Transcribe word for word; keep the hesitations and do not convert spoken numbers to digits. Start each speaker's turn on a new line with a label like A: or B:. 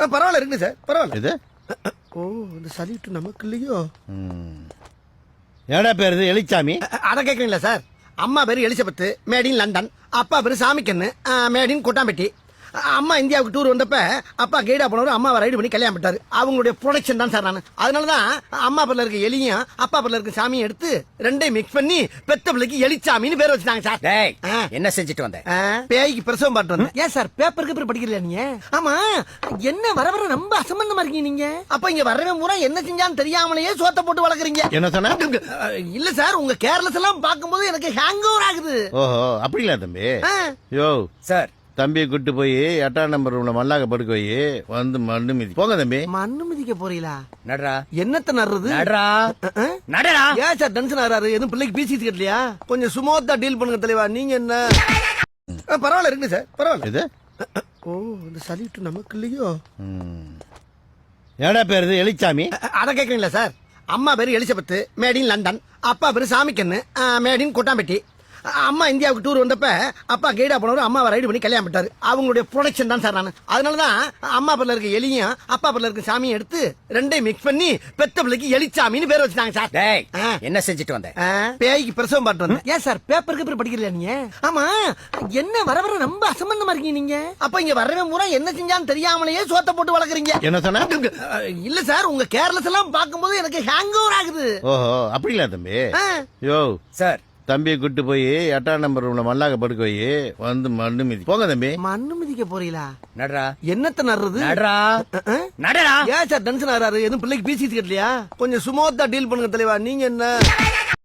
A: பரவாயில்ல இருக்கு சார், பரவாயில்ல.
B: இது
A: ஓ, இந்த சலிட்டு நமக்கு இல்லையோ?
B: ஏடா பேரு இது? எலிச்சாமி.
A: அத கேக்குறீங்களா சார்? அம்மா பேரு எலிசபெத், மேட் இன் லண்டன். அப்பா பேரு சாமிக்கண்ணு, மேட் இன் கொட்டாம்பட்டி. அம்மா இந்தியாவுக்கு டூர் வந்தப்ப அப்பா கைடா போனவர் அம்மாவை ரைடு பண்ணி கல்யாணம் பண்ணிட்டாரு. அவங்களுடைய ப்ரொடக்ஷன் தான் சார் நான். அதனாலதான் அம்மா பேர்ல இருக்க எலியும் அப்பா பேர்ல இருக்க சாமியும் எடுத்து ரெண்டையும் மிக்ஸ் பண்ணி பெத்த பிள்ளைக்கு எலிச்சாமின்னு பேர் வச்சுட்டாங்க சார்.
C: டேய்,
A: ஆ.
C: என்ன செஞ்சுட்டு வந்த?
A: ஆ, பேய்க்கு பிரசவம் பாட்டு வந்தேன். ஏன் சார் பேப்பருக்கு பேர் படிக்கிறீங்களா நீங்க? ஆமா, என்ன வர வர ரொம்ப அசம்பந்தமா இருக்கீங்க நீங்க. அப்ப இங்க வரவே பூரா என்ன செஞ்சான்னு தெரியாமலேயே சோத்த போட்டு வளர்க்குறீங்க.
B: என்ன சொன்ன?
A: இல்ல சார், உங்க கேர்லெஸ் எல்லாம் பாக்கும்போது எனக்கு ஹேங் ஓவர் ஆகுது.
B: ஓஹோ, அப்படிங்களா தம்பி?
A: ஆ.
B: யோ
C: சார்,
B: தம்பியை கூட்டு போய் எட்டாம் நம்பர் ரூம்ல மல்லாக்க படுக்க போய் வந்து மண்ணு மிதி போங்க தம்பி.
A: மண்ணு மிதிக்க போறீங்களா?
C: நடரா.
A: என்னத்த நடுறது?
C: நடரா.
A: ஆ?
C: நடரா.
A: ஏன் சார் டென்ஷன் ஆறாரு? எதுவும் பிள்ளைக்கு பேசிட்டு கட்டலையா? கொஞ்சம் சுமோத்தா டீல் பண்ணுங்க தலைவா. நீங்க என்ன? ஆ, பரவாயில்ல இருக்கு சார், பரவாயில்ல.
B: இது
A: ஓ, இந்த சலிட்டு நமக்கு இல்லையோ?
B: ஏடா பேரு இது? எலிச்சாமி.
A: அத கேக்குறீங்களா சார்? அம்மா பேரு எலிசபெத், மேட் இன் லண்டன். அப்பா பேரு சாமிக்கண்ணு, மேட் இன் கொட்டாம்பட்டி. அம்மா இந்தியாவுக்கு டூர் வந்தப்ப அப்பா கைடா போனவர் அம்மாவை ரைடு பண்ணி கல்யாணம் பண்ணிட்டாரு. அவங்களுடைய ப்ரொடக்ஷன் தான் சார் நான். அதனாலதான் அம்மா பேர்ல இருக்க எலியும் அப்பா பேர்ல இருக்க சாமியும் எடுத்து ரெண்டையும் மிக்ஸ் பண்ணி பெத்த பிள்ளைக்கு எலிச்சாமின்னு பேர் வச்சுட்டாங்க சார்.
C: டேய்,
A: ஆ.
C: என்ன செஞ்சுட்டு வந்த?
A: ஆ, பேய்க்கு பிரசவம் பாட்டு வந்தேன். ஏன் சார் பேப்பருக்கு பேர் படிக்கிறீங்களா நீங்க? ஆமா, என்ன வர வர ரொம்ப அசம்பந்தமா இருக்கீங்க நீங்க. அப்ப இங்க வரவே பூரா என்ன செஞ்சான்னு தெரியாமலேயே சோத்த போட்டு வளர்க்குறீங்க.
B: என்ன சொன்ன?
A: இல்ல சார், உங்க கேர்லெஸ் எல்லாம் பாக்கும்போது எனக்கு ஹேங் ஓவர் ஆகுது.
B: ஓஹோ, அப்படிங்களா தம்பி?
A: ஆ.
B: யோ
C: சார்,
B: தம்பியை கூட்டு போய் எட்டாம் நம்பர் ரூம்ல மல்லாக்க படுக்க போய் வந்து மண்ணு மிதி போங்க தம்பி.
A: மண்ணு மிதிக்க போறீங்களா?
C: நடரா.
A: என்னத்த நடுறது?
C: நடரா.
A: ஆ?
C: நடரா.
A: ஏன் சார் டென்ஷன் ஆறாரு? எதுவும் பிள்ளைக்கு பேசிட்டு கட்டலையா? கொஞ்சம் சுமோத்தா டீல் பண்ணுங்க தலைவா. நீங்க என்ன?